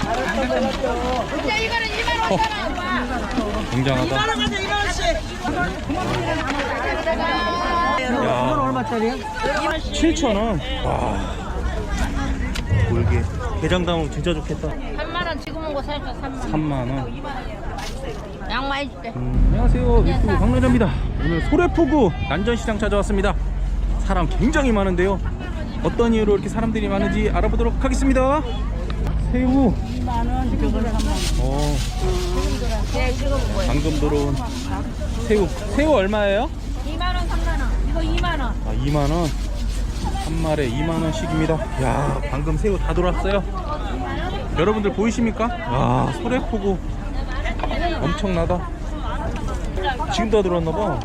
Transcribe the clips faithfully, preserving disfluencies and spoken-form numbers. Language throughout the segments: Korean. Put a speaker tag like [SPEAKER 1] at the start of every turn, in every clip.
[SPEAKER 1] 이거는 이만 오천 원.
[SPEAKER 2] 굉장하다.
[SPEAKER 1] 이만 원 가자, 이만 원씩.
[SPEAKER 2] 이건
[SPEAKER 3] 얼마짜리야?
[SPEAKER 2] 칠천 원. 와. 골게. 게장 담으면 진짜 좋겠다.
[SPEAKER 1] 삼만 원 지금 온거 살까 삼만 원.
[SPEAKER 2] 삼만 원.
[SPEAKER 1] 양 많이 줄게.
[SPEAKER 2] 음, 안녕하세요. 유튜브 박래자입니다. 오늘 소래포구 난전시장 찾아왔습니다. 사람 굉장히 많은데요. 어떤 이유로 이렇게 사람들이 많은지 알아보도록 하겠습니다. 새우
[SPEAKER 3] 이만 원, 저건 삼만 원.
[SPEAKER 2] 어,
[SPEAKER 1] 네, 지금 뭐야?
[SPEAKER 2] 방금 들어온 새우. 새우 얼마예요?
[SPEAKER 1] 이만 원, 삼만 원. 이거 이만 원.
[SPEAKER 2] 아, 이만 원. 한 마리에 이만 원씩입니다. 야, 방금 새우 다 들어왔어요. 여러분들 보이십니까? 와, 소래포구 엄청나다. 지금 다 들어왔나봐.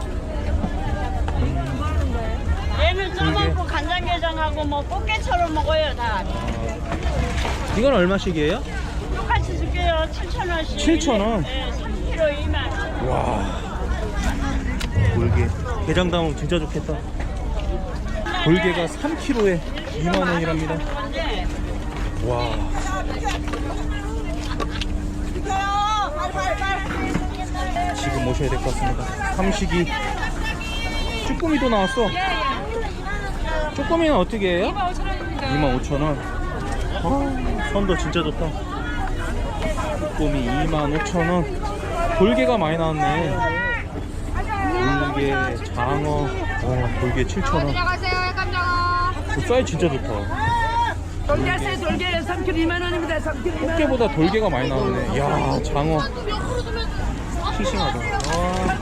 [SPEAKER 1] 얘는 쪄먹고 간장게장하고 뭐 꽃게처럼 먹어요 다.
[SPEAKER 2] 이건 얼마씩이에요?
[SPEAKER 1] 똑같이 줄게요. 칠천 원씩.
[SPEAKER 2] 칠천 원?
[SPEAKER 1] 네, 삼 킬로그램 이만 원.
[SPEAKER 2] 와, 골게. 게장 담으면 진짜 좋겠다. 골게가 삼 킬로그램에 이만 원이랍니다. 와. 지금 오셔야 될 것 같습니다. 삼식이. 쭈꾸미도 나왔어. 쭈꾸미는 어떻게 해요? 이만 오천 원. 아, 선도 진짜 좋다. 쭈꾸미 이만 오천 원. 돌게가 많이 나왔네. 돌게, 장어. 어, 돌게 칠천 원.
[SPEAKER 1] 들어가세요, 깜짝아.
[SPEAKER 2] 그 사이즈 진짜 좋다.
[SPEAKER 3] 돌게세 돌게 삼 킬로그램 이만 원입니다. 삼 킬로그램 이만 원.
[SPEAKER 2] 꽃게보다 돌게가 많이 나왔네. 이야, 장어. 싱싱하다. 아.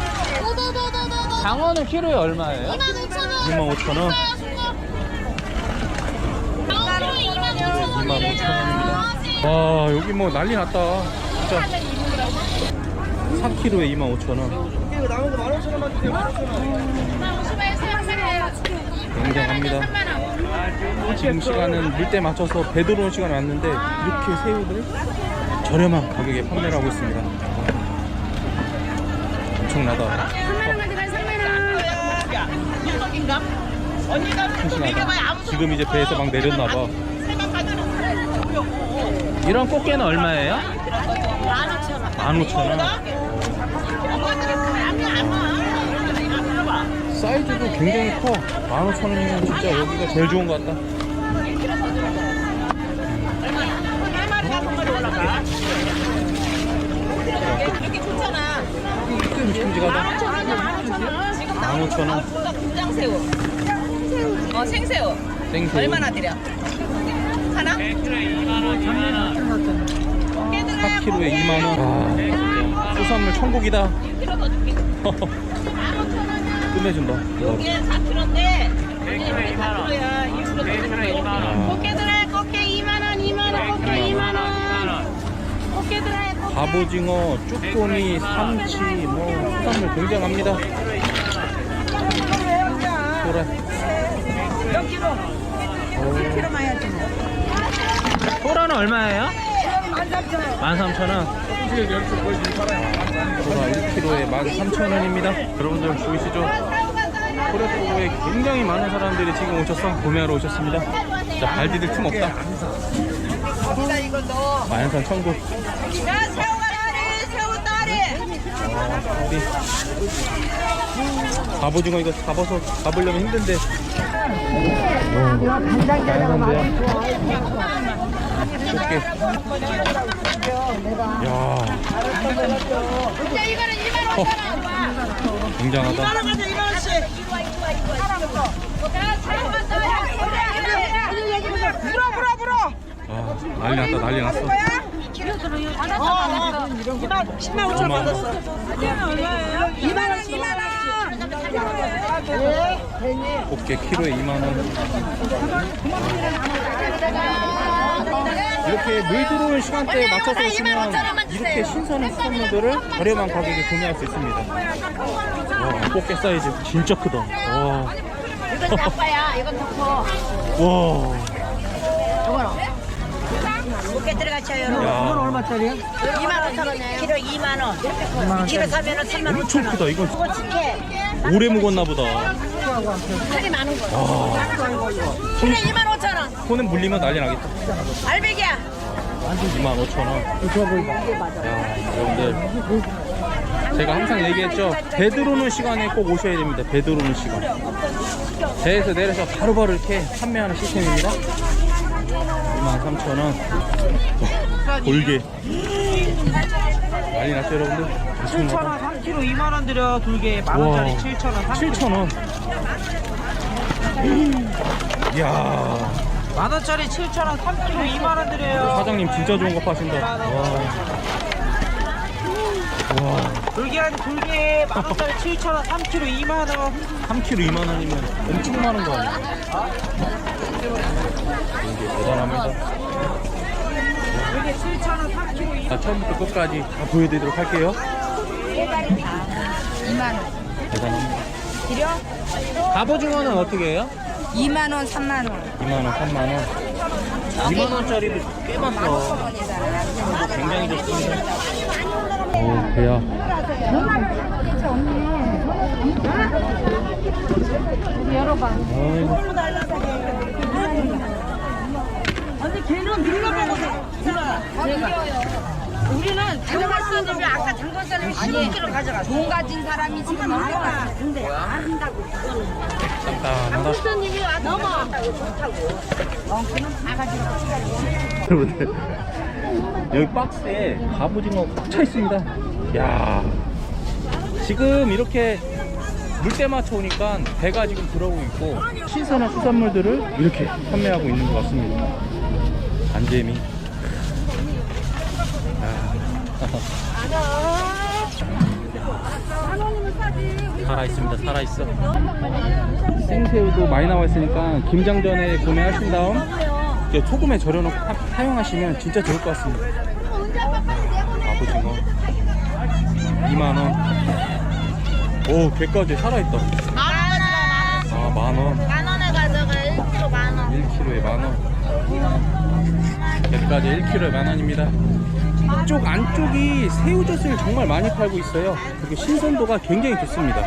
[SPEAKER 2] 장어는 키로에 얼마예요? 이만 오천 원. 이만 오천 원입니다. 와, 여기 뭐 난리 났다. 진짜. 삼 킬로그램에 이만 오천 원. 굉장합니다. 지금 시간은 물때 맞춰서 배 들어오는 시간이 왔는데 이렇게 새우들 저렴한 가격에 판매를 하고 있습니다. 엄청나다. 싱싱하다. 지금 이제 배에서 막 내렸나봐. 이런 꽃게는 얼마예요? 만 오천 원. 사이즈도 굉장히 커. 만 오천 원이면 진짜 여기가 제일 좋은 것 같다.
[SPEAKER 1] 이렇게 좋잖아.
[SPEAKER 2] 큼직큼직하다. 만 오천 원.
[SPEAKER 1] 김장새우. 어, 생새우.
[SPEAKER 2] 생새우.
[SPEAKER 1] 얼마나 드려? 하나?
[SPEAKER 2] 사 킬로그램에 이만 원. 아, 수산물 천국이다. 끝내준다.
[SPEAKER 1] 이게 사 킬로그램인데 이게 사 킬로그램이야. 이 킬로그램
[SPEAKER 2] 아.
[SPEAKER 1] 꽃게들아, 꽃게 이만 원, 이만 원, 꽃게 이만 원. 꽃게들아, 꽃게.
[SPEAKER 2] 갑오징어, 쭈꾸미, 삼치, 뭐 수산물 굉장합니다. 소라.
[SPEAKER 3] 몇 킬로? 일 킬로만 해야지 뭐.
[SPEAKER 2] 소라는 얼마예요? 만 삼천 원. 소라 일 킬로그램에 만 삼천 원입니다. 여러분들 보이시죠? 소래포구에 굉장히 많은 사람들이 지금 오셔서 구매하러 오셨습니다. 자, 발디딜 틈 없다. 만산 천국.
[SPEAKER 1] 야, 새우가 다리, 새우 다리.
[SPEAKER 2] 우리 갑오징어 이거 잡아서 잡으려면 힘든데. 꽃게. 야,
[SPEAKER 1] 이거는 이만 오천 원.
[SPEAKER 2] 굉장하다.
[SPEAKER 1] 이만 원 가자, 이만 원씩. 불어, 불어, 불어.
[SPEAKER 2] 아, 난리 났다, 난리 났어.
[SPEAKER 1] 어, 이만, 십만 오천 원 받았어. 이만 원, 이만 원.
[SPEAKER 2] 꽃게 키로에 이만 원. 이렇게 물 들어오는 시간대에 맞춰서 오시면 이렇게 신선한 수산물들을 저렴한 가격에 구매할 수 있습니다. 와, 꽃게 사이즈 진짜 크다. 와.
[SPEAKER 1] 이건 작아야, 이건 더 커.
[SPEAKER 2] 와.
[SPEAKER 1] 이거는 꽃게 들어가죠, 여러분.
[SPEAKER 3] 이건 얼마짜리야?
[SPEAKER 1] 이만 오천 원이에요. 키로 이만 원. 키로 사면은 삼만
[SPEAKER 2] 엄청
[SPEAKER 1] 오천 원.
[SPEAKER 2] 크다. 이건
[SPEAKER 1] 그거 직해.
[SPEAKER 2] 오래 묵었나 보다.
[SPEAKER 1] 살이 많은 거.
[SPEAKER 2] 와.
[SPEAKER 1] 키로 이만 오천 원.
[SPEAKER 2] 손에 물리면 난리 나겠다.
[SPEAKER 1] 알배기야.
[SPEAKER 2] 이만 오천 원. 야, 여러분들 제가 항상 얘기했죠. 배 들어오는 시간에 꼭 오셔야 됩니다. 배 들어오는 시간. 배에서 내려서 바로바로 이렇게 판매하는 시스템입니다. 이만 삼천 원. 돌게 난리 났죠 여러분들.
[SPEAKER 3] 칠천 원 삼 킬로그램 이만 원 드려. 돌게 만 원짜리
[SPEAKER 2] 와.
[SPEAKER 3] 칠천 원.
[SPEAKER 2] 칠천 원. 이야,
[SPEAKER 3] 만 원짜리 칠천 원 삼 킬로그램 이만 원 드려요.
[SPEAKER 2] 사장님 진짜 좋은 거 파신다. 와. 와.
[SPEAKER 3] 돌게 한 돌게 만 원짜리 칠천 원 삼 킬로그램 이만 원.
[SPEAKER 2] 삼 킬로그램 이만 원이면 엄청 많은 거 아니야? 이게 대단합니다.
[SPEAKER 3] 돌게 칠천 원 삼 킬로그램.
[SPEAKER 2] 자, 처음부터 끝까지 다 보여드리도록 할게요.
[SPEAKER 4] 이만 원.
[SPEAKER 2] 대단합니다.
[SPEAKER 4] 드려?
[SPEAKER 2] 갑오징어는 어떻게 해요?
[SPEAKER 4] 이만 원, 삼만 원.
[SPEAKER 2] 이만 원, 삼만 원. 이만 원짜리도 꽤 많어.
[SPEAKER 4] 원이잖아.
[SPEAKER 2] 굉장히 좋습니다. 오, 배야.
[SPEAKER 4] 열어봐.
[SPEAKER 2] 아이고.
[SPEAKER 3] 아니 걔는 밀려먹어서
[SPEAKER 4] 우리는 가져갈 수 있는데 아까 장관 사람이 십오 킬로그램 가져가. 돈 가진 사람이 지금 많아. 근데 안다고.
[SPEAKER 2] 깐깐하다.
[SPEAKER 4] 손님이 와 넘어.
[SPEAKER 2] 여러분들, 여기 박스에 갑오징어 꽉 차 있습니다. 야, 지금 이렇게 물때 맞춰 오니까 배가 지금 들어오고 있고 신선한 수산물들을 이렇게 판매하고 있는 것 같습니다. 안재미. 살아 있습니다. 살아 있어. 생새우도 많이 나와 있으니까 김장전에 구매하신 다음 이제 소금에 절여놓고 사- 사용하시면 진짜 좋을 것 같습니다. 갑오징어 이만 원. 오, 개까지 살아있다. 아, 만 원.
[SPEAKER 1] 만 원에 가져가. 일 킬로그램 만 원.
[SPEAKER 2] 일 킬로그램에 만 원. 개까지 일 킬로그램에 만 원입니다. 이쪽 안쪽이 새우젓을 정말 많이 팔고 있어요. 그리고 신선도가 굉장히 좋습니다.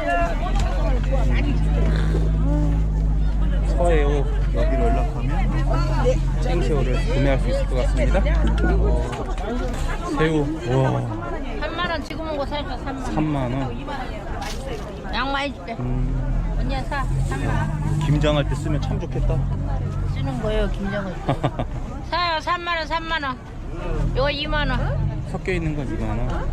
[SPEAKER 2] 서해오 여기로 연락하면 생새우를 구매할 수 있을 것 같습니다. 어, 새우, 와,
[SPEAKER 1] 삼만 원 지금 온거 살까 삼만 원.
[SPEAKER 2] 삼만 원.
[SPEAKER 1] 양말해줄게.
[SPEAKER 2] 음,
[SPEAKER 1] 언니야 사. 삼만 원.
[SPEAKER 2] 김장할 때 쓰면 참 좋겠다.
[SPEAKER 1] 쓰는 거예요 김정은. 사요 삼만 원 삼만 원. 이거 이만 원.
[SPEAKER 2] 섞여 있는 건 이만 원.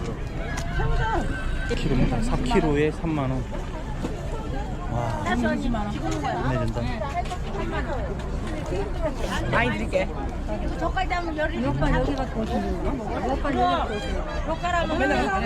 [SPEAKER 2] 킬로입니다. 사 킬로그램에 삼만 원. 와, 끝내준다.
[SPEAKER 3] 많이 드릴게.
[SPEAKER 1] 저까지 하면 열이.
[SPEAKER 4] 오빠 여기가 더 좋은가? 오빠 여기가 더 좋아.
[SPEAKER 1] 로카라면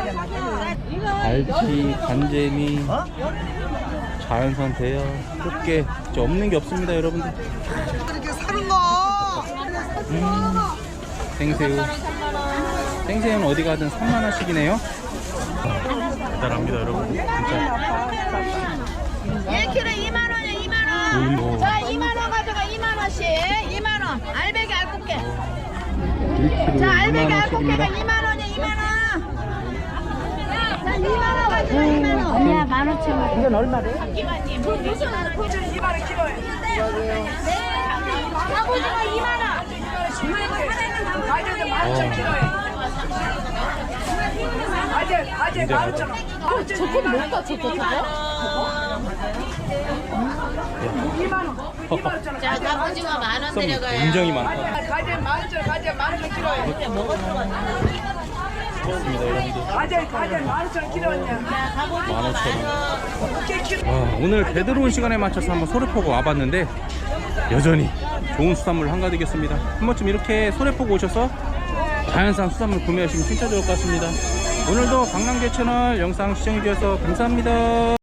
[SPEAKER 2] 갈치, 간재미, 자연산 대여, 꽃게 진짜 없는 게 없습니다, 여러분들.
[SPEAKER 3] 이렇게 사는 거.
[SPEAKER 2] 음, 생새우. 생새우는 어디 가든 삼만 원씩이네요. 대단합니다, 여러분. 진짜.
[SPEAKER 1] 일 킬로그램 이만 원이야 이만 원.
[SPEAKER 2] 오,
[SPEAKER 1] 자 이만 원 가져가 이만 원씩. 이만 원. 알배기 알꽃게.
[SPEAKER 2] 일 킬로그램에
[SPEAKER 1] 자 알배기
[SPEAKER 2] 이만
[SPEAKER 1] 알꽃게가
[SPEAKER 2] 원씩입니다.
[SPEAKER 1] 이만 원이야 이만 원. 자 이만 원 가져가 이만 원.
[SPEAKER 4] 언니야 만 오천 원.
[SPEAKER 3] 이건 얼마래?
[SPEAKER 1] 기관님.
[SPEAKER 3] 이만 원 키로에.
[SPEAKER 1] 네. 갑오징어 이만 원.
[SPEAKER 3] 가져도 만 오천 키로에. 가져 가져 만 오천 원.
[SPEAKER 1] 저거 뭘까 저거 저거?
[SPEAKER 3] 이만 원. 이만 오천 원.
[SPEAKER 1] 자 갑오징어 만 원
[SPEAKER 2] 썸
[SPEAKER 1] 데려가요.
[SPEAKER 2] 굉장히 많다.
[SPEAKER 3] 가져 만 오천 원. 가져 만 오천 키로에.
[SPEAKER 2] 좋습니다, 여러분들.
[SPEAKER 3] 가져 가져 만 오천 원 키로냐.
[SPEAKER 2] 만 오천 원.
[SPEAKER 3] 오케이 키로.
[SPEAKER 2] 와, 오늘 배 들어온 시간에 맞춰서 한번 소래포구 와봤는데 여전히 좋은 수산물 한가득이었습니다. 한 번쯤 이렇게 소래포구 오셔서 자연산 수산물 구매하시면 진짜 좋을 것 같습니다. 오늘도 강남계 채널 영상 시청해주셔서 감사합니다.